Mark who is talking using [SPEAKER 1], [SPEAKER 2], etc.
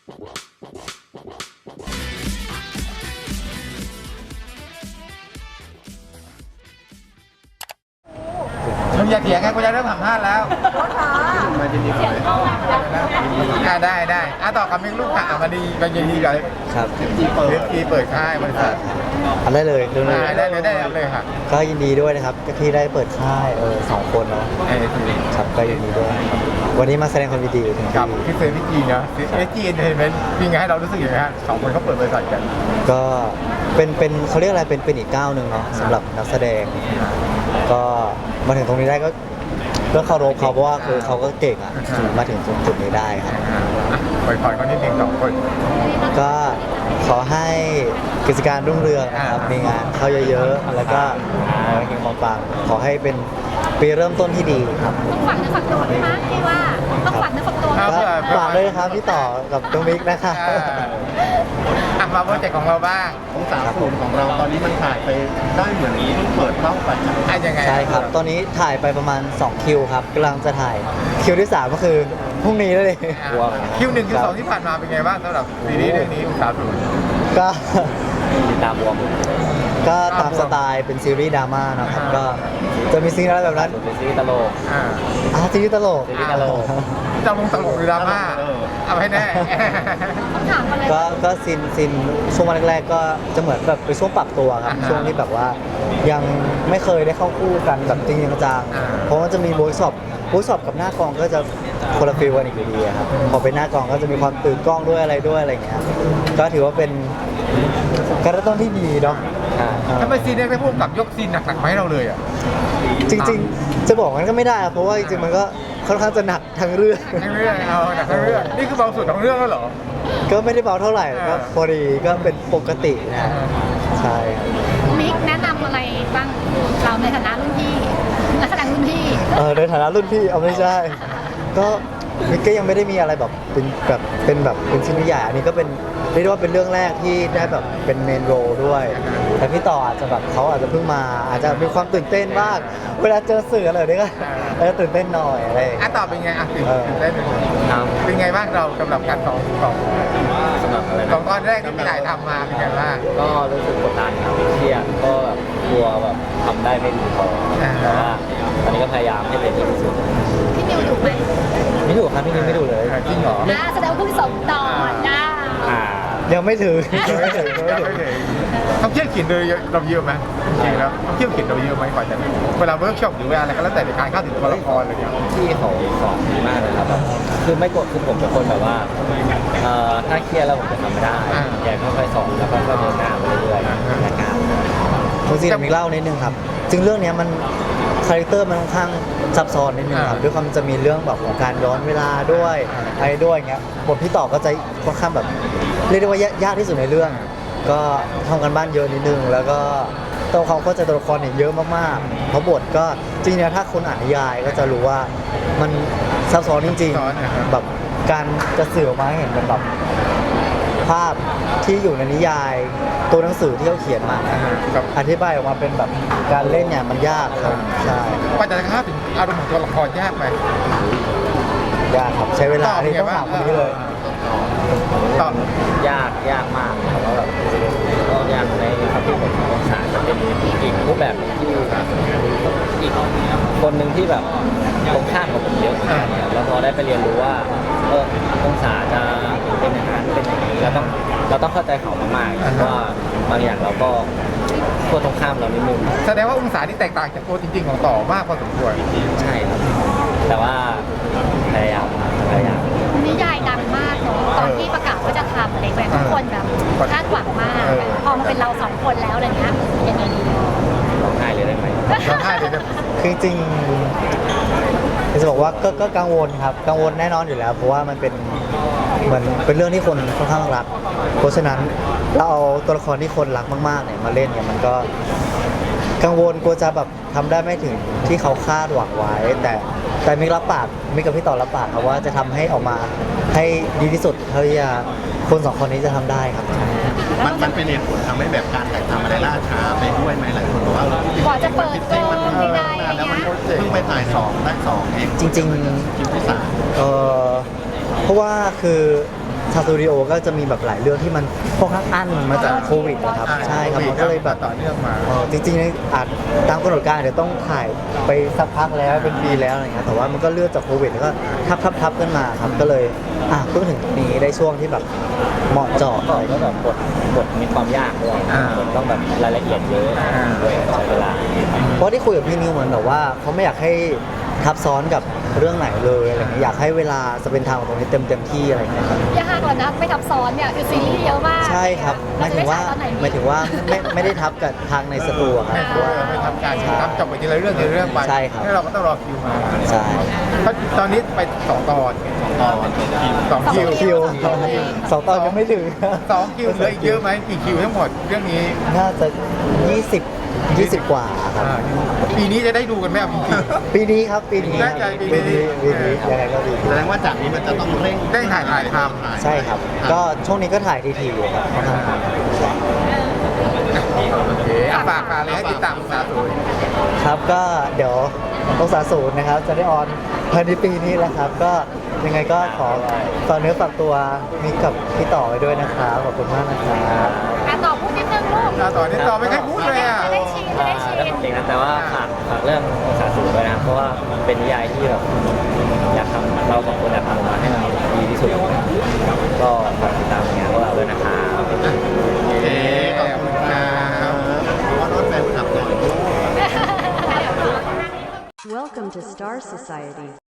[SPEAKER 1] มึงอย่าเถียงไงกูจะเริ่มสัมภาษณ์แล้วมายินดีเลยได้ต่อคำนึงลูกค่ะมาดีมายินดีกับ
[SPEAKER 2] ครับ
[SPEAKER 1] ทีเปิดค่ายบริษัท
[SPEAKER 2] อันได้เลยดูเลย
[SPEAKER 1] ได้เลยค่ะ
[SPEAKER 2] ก็ยินดีด้วยนะครับที่ได้เปิดค่าย2 คนเนาะครับก็ยินดีด้วยครับวันนี้มาแสดงความยินดีถึง
[SPEAKER 1] กับพี่เซนพี่จีนะจีนเห็นไหมมีไงให้เรารู้สึกยังไงฮะ2 คนเขาเปิดบริษัทกัน
[SPEAKER 2] ก็เป็นเขาเรียกอะไรเป็นอีกก้าวหนึ่งเนาะสำหรับนักแสดงก็มาถึงตรงนี้ได้ก็เคารพเขาเพราะว่าคือเขาก็เก่งอ่ะมาถึงจุดนี้ได้ครับ
[SPEAKER 1] ปล่อยเขานิดนึง2 คน
[SPEAKER 2] ก็ขอให้กิจการรุ่งเรืองนะครับมีงานเข้าเยอะๆแล้วก็เฮงปังๆขอให้เป็นปีเริ่มต้นที่ดีครับ
[SPEAKER 3] ต้องฝักเนื้อฝักตัวไหมคะพี่ว่าต้องฝักเนื้อฝักตัวไหม
[SPEAKER 2] ก็ฝากด้วยนะครับพี่ต่อกับน้องมิกนะคะ
[SPEAKER 1] มาโปรเจกต์ของเราบ้าง
[SPEAKER 4] ของ30ของเราตอนนี้มันถ่ายไปได้เหมือนเปิดเข้าไป
[SPEAKER 1] ยังไง
[SPEAKER 2] ใช่ครับตอนนี้ถ่ายไปประมาณ2 คิวครับกำลังจะถ่ายคิวที่3ก็คือพรุ่งนี้แล้วเลย
[SPEAKER 1] คิว 1 คิว 2ที่ผ่านมาเป็นไงบ้างสำหรับซีรีส์เรื่องนี้30
[SPEAKER 2] ก็
[SPEAKER 4] ตามวง
[SPEAKER 2] ก็ตามสไตล์เป็นซีรีส์ดราม่านะครับก็จะมีซีนอะไรแบบนั้น
[SPEAKER 4] เป็นซีรีส์ตลก
[SPEAKER 2] ซีรีส์ตลก
[SPEAKER 1] จะลงตลกหรือดราม่าเอาให้แน่
[SPEAKER 3] ต้องถามอะไร
[SPEAKER 2] ก็ซีนช่วงวันแรกๆก็จะเหมือนแบบเป็นช่วงปรับตัวครับช่วงที่แบบว่ายังไม่เคยได้เข้าคู่กันแบบจริงจังเพราะว่าจะมีเวิร์กช็อปกับหน้ากองก็จะคนละฟีลกันอีกอยู่ดีครับพอเป็นหน้ากองก็จะมีความตื่นกล้องด้วยอะไรอย่างเงี้ยก็ถือว่าเป็นการเริ่มต้นที่ดีเนาะ
[SPEAKER 1] ทำไมซีนนี้ได้พูดกับยกซีนหนักๆมาให้เราเลยอ่ะ
[SPEAKER 2] จริงๆจะบอกมันก็ไม่ได้เพราะว่าจริงๆมันก็ค่อนข้างจะหนักทั้งเรื่อง
[SPEAKER 1] หนักทั้งเรื่องนี่คือเบาสุดของเรื่องแล้วเหรอ
[SPEAKER 2] ก็ไม่ได้เบาเท่าไหร่ก็พอดีก็เป็นปกตินะใช่
[SPEAKER 3] มิกแนะนำอะไรบ้างเราในฐานะรุ่นพี่นักแสดงรุ่นพี่
[SPEAKER 2] ในฐานะรุ่นพี่เอาไม่ใช่ก็มิกก็ยังไม่ได้มีอะไรแบบเป็นชิ้นใหญ่อันนี้ก็เป็นเรียกได้ว่าเป็นเรื่องแรกที่ได้แบบเป็นเมนโรด้วยแต่พี่ต่ออาจจะแบบเขาอาจจะเพิ่งมาอาจจะมีความตื่นเต้นบ้างเวลาเจอสื่ออะไรนี่ก็ตื่นเต้นหน่อยอะไร
[SPEAKER 1] ต่อเป็นไงตื่นเต้นเป็นไงบ้างเราสำหรับการของ
[SPEAKER 4] สำหรับอะไร
[SPEAKER 1] ของตอนแรกที่พี่ถ่ายทำมาเป็นไงบ้าง
[SPEAKER 4] ก็รู้สึกกดดันครับเครียดก็แบบกลัวแบบทำได้ไม่ดีพอแต่ว่าตอนนี้ก็พยายามให้เป็นที่สุด
[SPEAKER 3] พี่นิวดูไหม
[SPEAKER 2] ไม่ดูครับพี่นิวไม่ดูเลย
[SPEAKER 1] จริงเหรอ
[SPEAKER 3] แสดงว่าเพิ่งส่งต่อนะ
[SPEAKER 2] ยังไม่ถึง
[SPEAKER 1] เขาเที่ยวเขียนโดยเราเยอะไหมจริงแล้วเขาเที่ยวเขียนเราเยอะไหมก่อนจะเวลาเวิร์กช็อปหรือเวลาอะไรก็แล้วแต่ในการเข้าถึงตัวละครอะไรอย่างเงี้ย
[SPEAKER 4] ที่เขาสอนดีมากเลยครับคือไม่กดคือผมเป็นคนแบบว่าถ้าเครียดแล้วผมจะทำไม่ได้แกค่อยๆสอนแล้วก็เดินหน้าไปเรื่อยๆนะครับ
[SPEAKER 2] จริงๆมีเล่านิดนึงครับจึงเรื่องนี้มันคาแรคเตอร์มันค่อนข้างซับซ้อนนิดนึงครับด้วยความจะมีเรื่องแบบของการย้อนเวลาด้วยอะไรด้วยเงี้ยบทพี่ต่อก็จะค่อนข้างแบบเรียกได้ว่ายากที่สุดในเรื่องก็ทำกันบ้านเยอะนิดนึงแล้วก็ตัวความเข้าใจตัวละครเนี่ยเยอะมากๆเพราะบทก็จริงๆถ้าคนอ่านนิยายก็จะรู้ว่ามันซับซ้อนจริงๆแบบการจะสื่อออกมาให้เห็นเป็นแบบภาพที่อยู่ในนิยายตัวหนังสือที่เขาเขียนมาอธิบายออกมาเป็นแบบการเล่นเนี่ยมันยากครับใช่
[SPEAKER 1] กว่าจะเข้าถึงอารมณ์ของตัวละครยากไหม
[SPEAKER 2] ยากครับใช้เวลาที่ต้องถามคนนี้เลย
[SPEAKER 4] ตอบยากมากแต่ว่าแบบก็ยากในครับที่ผมองศาจะเป็นอีกรูปแบบที่อีกคนหนึ่งที่แบบตรงข้ามกับผมเยอะแล้วพอได้ไปเรียนรู้ว่าองศาจะเป็นอย่างนั้นเป็นอย่างนี้เราต้องเข้าใจเขามากๆเพราะว่าบางอย่างเราก็ตัวตรงข้ามเรานิดนึง
[SPEAKER 1] แสดงว่าองศาที่แตกต่างจากตัวจริงๆของต่อมากพอสมควร
[SPEAKER 4] ใช่ครับแต่ว่าพยายาม
[SPEAKER 3] นิยายดังมากเนาะตอนที่ประกาศว่าจะทำอะไรแบบทุกคนแบบคาดหวังมากพอมาเป็นเรา2 คนแล้วอะไรเงี้ยยังไงดี
[SPEAKER 4] ร้องไห้เลยได้ไหม
[SPEAKER 1] ร้องไห้เลย
[SPEAKER 2] คือจริงจะบอกว่าก็กังวลครับกังวลแน่นอนอยู่แล้วเพราะว่ามันเป็นเหมือนเป็นเรื่องที่คนค่อนข้างรักเพราะฉะนั้นเราเอาตัวละครที่คนรักมากๆเนี่ยมาเล่นเนี่ยมันก็กังวลกลัวจะแบบทำได้ไม่ถึงที่เขาคาดหวังไว้แต่มิกรับปากมิกกับพี่ต่อรับปากครับว่าจะทำให้ออกมาให้ดีที่สุดเท่าที่คน2 คนนี้จะทำได้ครับ
[SPEAKER 4] มันเป็นเหตุผลทำให้แบบการถ่ายทำอะไรล่าช้าไปด้วยไหมหลายคนบอกว่าก
[SPEAKER 3] ว่าจะเปิดกล้องไม่ได้
[SPEAKER 4] แล้วมันเพิ่งไปถ่าย2ได้2เอง
[SPEAKER 2] จริง
[SPEAKER 4] คิวที่3
[SPEAKER 2] เพราะว่าคือชาวสตูดิโอก็จะมีแบบหลายเรื่องที่มันค่อนข้างอั้นมาจากโควิดนะครับใช่ครับมันก็เลยแบบ
[SPEAKER 1] ต่อเนื่องมา
[SPEAKER 2] จริงๆอาจตามกำหนดการเดี๋ยวต้องถ่ายไปสักพักแล้วเป็นปีแล้วอะไรเงี้ยแต่ว่ามันก็เลื่อนจากโควิดแล้วก็ทับกันมาครับก็เลยเพิ่งถึงตรงนี้ได้ช่วงที่แบบเหมาะเจาะ
[SPEAKER 4] ก็แบบบทมีความยากด้วยบทต้องแบบรายละเอียดเยอะด้วยใช้เวลา
[SPEAKER 2] เพราะที่คุยกับพี่นิวเหมือนแบบว่าเขาไม่อยากให้ทับซ้อนกับเรื่องไหนเลยอะไรเงี้ยอยากให้เวลาจะเป็นทางของตรงนี้เต็มที่อะไรเงี้ยครับ
[SPEAKER 3] ยากกว่านะไม่ทับซ้อนเนี่ยคือซีรีส์เยอะมาก
[SPEAKER 2] ใช่ครับหมายถึงว่าไม่ได้ทับกับทางในสตูอะครับ
[SPEAKER 1] ไม่ทำการทำจบไปทีละเรื่องทีละเรื่องไป
[SPEAKER 2] ใช่ครับ
[SPEAKER 1] แล้วเราก็ต้องรอคิวมา
[SPEAKER 2] ใช่
[SPEAKER 1] เพราะตอนนี้ไป2 ตอน2 คิว
[SPEAKER 2] คิวสองตอนยังไม่ถึง
[SPEAKER 1] 2 คิวเหลืออีกเยอะไหมกี่คิวทั้งหมดเรื่องนี้
[SPEAKER 2] น่าจะ20 กว่าครับ
[SPEAKER 1] ปีนี้จะได้ดูกันไหมครับจริง
[SPEAKER 2] ปีนี้ครับปีนี้
[SPEAKER 1] น่าจะปีนี้
[SPEAKER 2] ยังไงก็ปีนี้
[SPEAKER 5] แสดงว่าจากนี้มันจะต้องเร่ง
[SPEAKER 1] ๆได้ถ่ายทำ
[SPEAKER 2] ใช่ครับ ก็ช่วงนี้ก็ถ่ายทีอยู่ครับค่อนข้าง
[SPEAKER 1] โอเคฝากเลยให้ติดตามสาธุ
[SPEAKER 2] ครับก็เดี๋ยวองศาศูนย์นะครับ จะได้ออนภายในปีนี้แหละครับ ก็ยังไงก็ขอฝากเนื้อฝากตัวมิกกับพี่ต่อไว้ด้วยนะครับขอบคุณมากนะครับ
[SPEAKER 3] ต่อพูดนิดนึงลูก
[SPEAKER 1] ต่อนี้ต่อไม่ค่อยพูดเลยอ่ะ
[SPEAKER 3] จะได้ชินจะได้ชิน
[SPEAKER 4] จริงนะแต่ว่าฝากเรื่ององศาสูงด้วยนะครับเพราะว่ามันเป็นนิยายที่แบบอยากทำเราสองคนอยากทำออกมาให้มันดีที่สุดก็ฝากติดตามงานพวกเราด้วยนะครับ
[SPEAKER 1] โอเคขอบคุณครับ
[SPEAKER 5] ว่ารถแฟนคลับหน่อย
[SPEAKER 6] Welcome to Star Society.